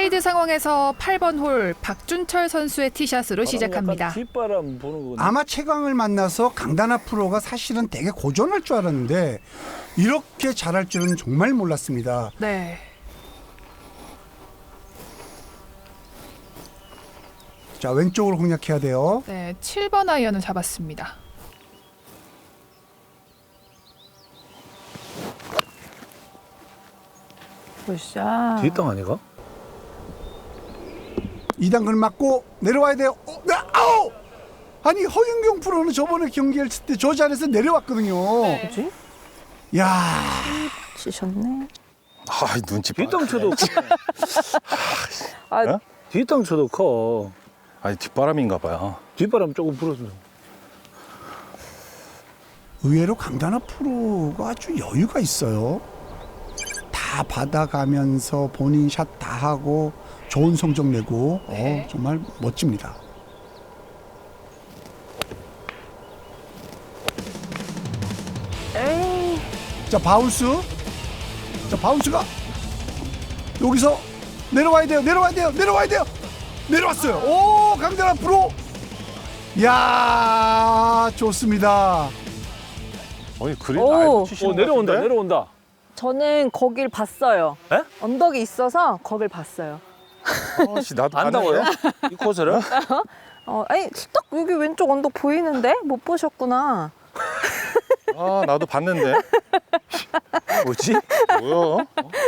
사이드 상황에서 8번 홀 박준철 선수의 티샷으로 시작합니다. 뒷바람 보는 거. 아마 최강을 만나서 강다나 프로가 사실은 되게 고전할 줄 알았는데 이렇게 잘할 줄은 정말 몰랐습니다. 네. 자, 왼쪽으로 공략해야 돼요. 네, 7번 아이언을 잡았습니다. 굿샷. 뒷땅 아니가? 2단근 맞고 내려와야 돼요. 아우! 아니 허윤경 프로는 저번에 경기했을 때 저 자리에서 내려왔거든요. 뭐지? 야, 치셨네. 아, 눈치 봐. 뒷땅 쳐도 아, 어? 뒷땅 쳐도 커. 아니, 뒷바람인가 봐요. 뒷바람 조금 불어서. 의외로 강다나 프로가 아주 여유가 있어요. 다 받아가면서 본인 샷 다 하고 좋은 성적 내고 네. 정말 멋집니다. 에이. 자, 바운스. 자, 바운스가 여기서 내려와야 돼요. 내려와야 돼요. 내려와야 돼요. 내려왔어요. 오, 강다나 프로. 야, 좋습니다. 어이, 그린 오. 알고 치시는 것 내려온다, 같은데? 내려온다. 저는 거길 봤어요. 에? 언덕이 있어서 거길 봤어요. 아씨, 나도 안다고요? 봤는데? 이 코스를? 아니 딱 여기 왼쪽 언덕 보이는데 못 보셨구나. 아, 나도 봤는데. 뭐지? 뭐야?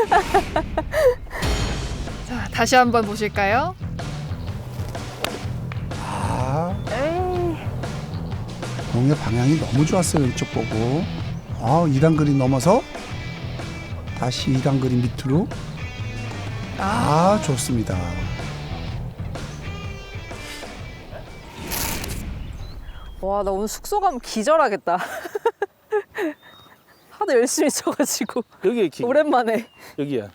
자, 다시 한번 보실까요? 아, 에이. 공의 방향이 너무 좋았어요. 왼쪽 보고. 2단 그린 넘어서 다시 2단 그린 밑으로. 좋습니다. 와, 나 오늘 숙소 가면 기절하겠다. 하도 열심히 쳐가지고 여기에 키. 오랜만에. 여기야.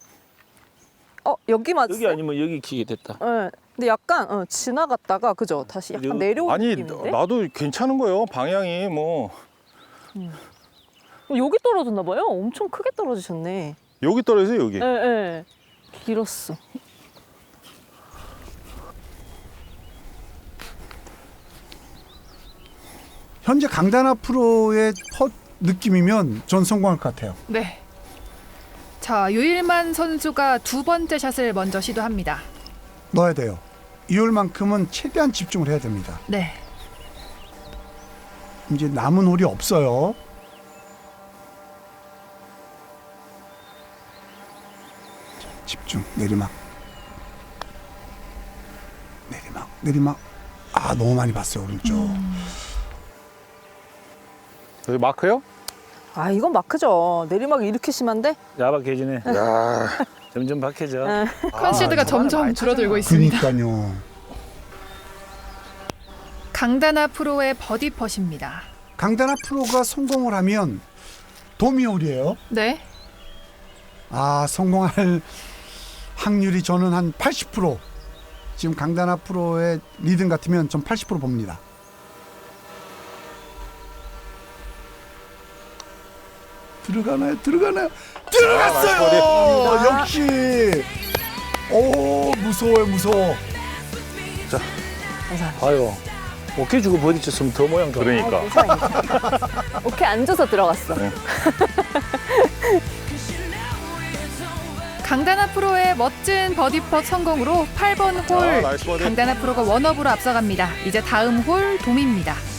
여기 맞았어요? 여기 아니면 여기 키게 됐다. 네. 근데 약간 지나갔다가 그죠? 다시 약간 여기- 내려오는 아니, 느낌인데? 나도 괜찮은 거예요. 방향이 뭐. 여기 떨어졌나 봐요. 엄청 크게 떨어지셨네. 여기 떨어져요, 여기. 예, 예. 길었어. 현재 강다나 프로의 펫 느낌이면 전 성공할 것 같아요. 네. 자, 유일만 선수가 두 번째 샷을 먼저 시도합니다. 넣어야 돼요. 이홀만큼은 최대한 집중을 해야 됩니다. 네. 이제 남은 홀이 없어요. 자, 집중. 내리막. 내리막. 내리막. 너무 많이 봤어요, 오른쪽. 여기 마크요? 이건 마크죠. 내리막이 이렇게 심한데? 야박해지네. 야, 점점 박해져. 컨시드가 점점 줄어들고 있습니다. 그러니까요. 강다나 프로의 버디 펫입니다. 강다나 프로가 성공을 하면 도미홀이에요. 네. 성공할 확률이 저는 한 80%. 지금 강다나 프로의 리듬 같으면 전 80% 봅니다. 들어가나요? 들어가나요? 들어갔어요! 역시! 오, 무서워요, 무서워. 봐요. 오케이 주고 버디 쳤으면 더 모양 좋아. 그러니까. 오케이, 앉아서 들어갔어. 강다나 프로의 멋진 버디 펫 성공으로 8번 홀 나이스 버디. 강다나 프로가 원업으로 앞서갑니다. 이제 다음 홀 돔입니다.